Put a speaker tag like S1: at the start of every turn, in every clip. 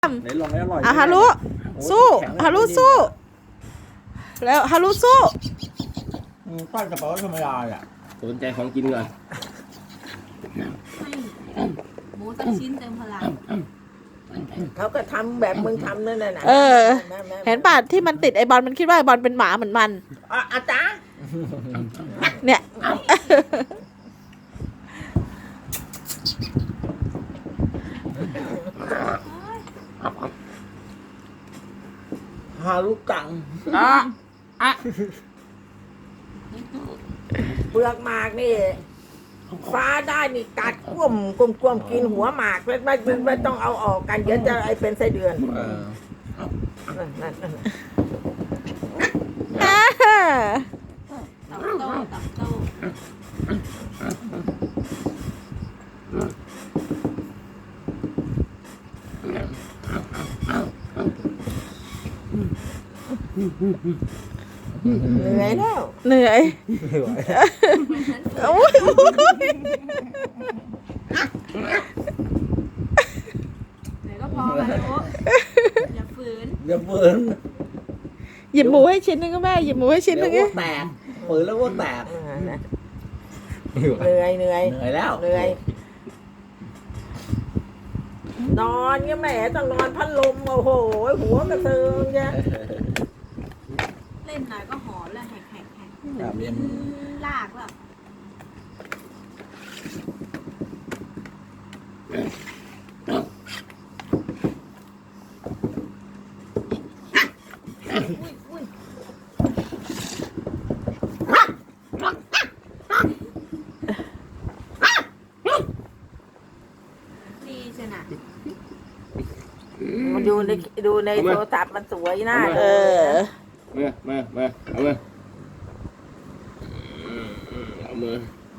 S1: ไหนลองให้อร่อย
S2: ฮารุสู้ฮารุสู้แล้วฮารุสู้
S1: ปั้นกระเป๋าธรรมดาอ่ะ
S3: สนใจของกินก่อน
S4: ให้หมูสักชิ้นเติมพลัง
S5: เขาก็ทำแบบมึงทำนั่นน่ะ
S2: เห็นป่ะที่มันติดไอบอลมันคิดว่าไอบอลเป็นหมาเหมือนมัน
S5: อาจารย์
S2: เนี่ย
S1: ฮารุกัง
S5: เปลือกหมากนี่ ฟ้าได้นี่กัดก้มกินหัวหมากไม่ต้องเอาออกกันเดี๋ยวจะไอเป็นไส้เดือนนั่น
S4: ตับโต้
S5: เหนื่อยแล้ว
S2: เหนื่อยโอ้ย
S4: ไหนก็พอแล้วโอ้อย่าฝืน
S1: อย่าเปิด
S2: หยิบหมูให้ชิ้นนึงก็แม่หยิบหมูให้ชิ้นนึง
S1: เดี๋ยวอ้วกแตกเปิดแล้วอ้วกแตก
S5: เหนื่อย
S1: เหนื่อยแล้ว
S5: เหนื่อยนอนเงี้ยแม่ต้องนอนพัดลมโอ้โหหัวกระเซิงเนี่ย
S4: เล่นหน่อยก็หอนแล้วแหก
S1: แบบนี้
S4: ลากแล้วดีใช่ไหม
S5: มันดูในโทรศัพท์มันสวยน่า
S2: เอ
S5: ดู
S2: อ
S3: มาเอามือเอามือ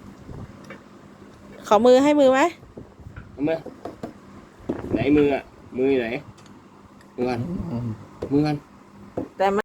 S2: ขอมือให้มือไหม
S3: เอามือไหนมืออ่ะมือไหนมือกัน
S5: แต่